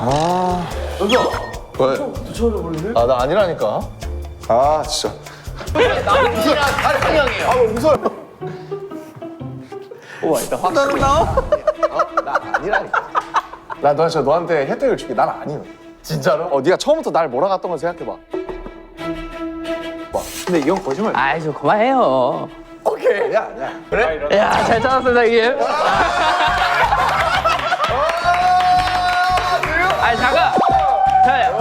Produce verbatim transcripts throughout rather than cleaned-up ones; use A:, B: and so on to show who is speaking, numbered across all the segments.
A: 아.
B: 여기요.
A: 왜?
B: 붙여버리네.
A: 아, 나 아니라니까. 아, 진짜.
B: 남편이랑 다른 방향이에요.
A: 아, 웃어요.
B: 우와, 일단 확실히. 나와?
A: 어? 나 아니라니까. 나 너, 저 너한테 혜택을 줄게. 난 아니요.
B: 진짜로?
A: 어, 네가 처음부터 날 몰아갔던 걸 생각해봐. 봐. 근데 이건 거짓말.
C: 아이 좀 그만해요.
B: 오케이.
A: 아니야, 아니야.
B: 그래?
C: 야 잘 찾았어 형님. 아니 잠깐. 자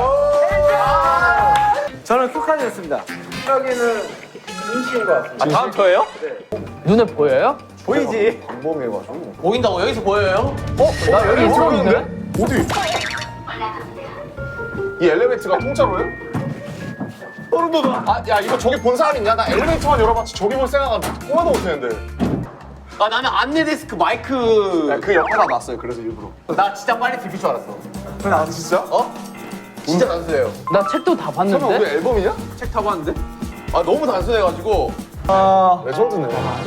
B: 저는 큐칸이었습니다. 여기는 임시인 것 같습니다.
C: 아, 다음 저예요? 눈에 보여요?
B: 보이지?
A: 방범해가지고.
B: 보인다고? 여기서 보여요?
A: 어?
C: 나 여기 있었는데?
A: 어디? 이 엘리베이터가 공짜로요?
B: 소름 돋아.
A: 아, 야, 이거 저기 본 사람 있냐? 나 엘리베이터만 열어봤지 저기 볼 생각은 꿈에도 못했는데.
B: 아, 나는 안내 데스크 마이크.
A: 야, 그 옆에다 놨어요. 그래서 일부러.
B: 나 진짜 빨리 들킬 줄 알았어.
A: 아, 진짜?
B: 어? 진짜 단순해요.
C: 나 책도 다
A: 설마 우리
C: 봤는데?
A: 앨범이냐?
B: 책 타고 왔는데? 아, 너무 단순해가지고.
A: 레전드네.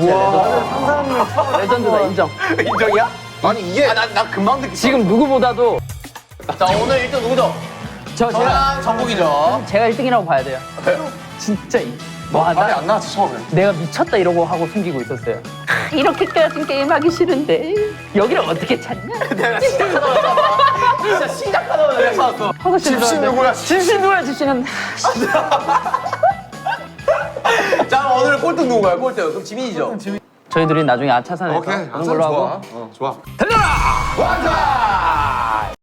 C: 레전드다 인정.
B: 인정이야?
A: 아니, 이게.
B: 아, 난, 난 금방 듣기.
C: 지금 누구보다도
B: 자, 오늘 일 등 누구죠?
C: 저 제가
B: 저랑 정국이죠.
C: 제가 일 등이라고 봐야 돼요. 진짜 이- 와,
A: 답이
C: 나
A: 안 나왔지, 처음에.
C: 내가 미쳤다 이러고 하고 숨기고 있었어요. 아, 이렇게까지 게임하기 싫은데 여기를 어떻게 찾냐?
B: 내가 시작하자마자. 진짜 시작하자마자 내가 찾았어.
C: 하고
A: 집신
C: 싶은데.
A: 누구야?
C: 집신 누구야 집신은?
B: 자, 그럼 오늘 꼴등 누구가요? 꼴등. 그럼 지민이죠?
C: 저희들이 나중에 아차산에서
A: 오케이.
C: 하는 걸로 하고
A: 어, 좋아.
B: 달려라! 완전!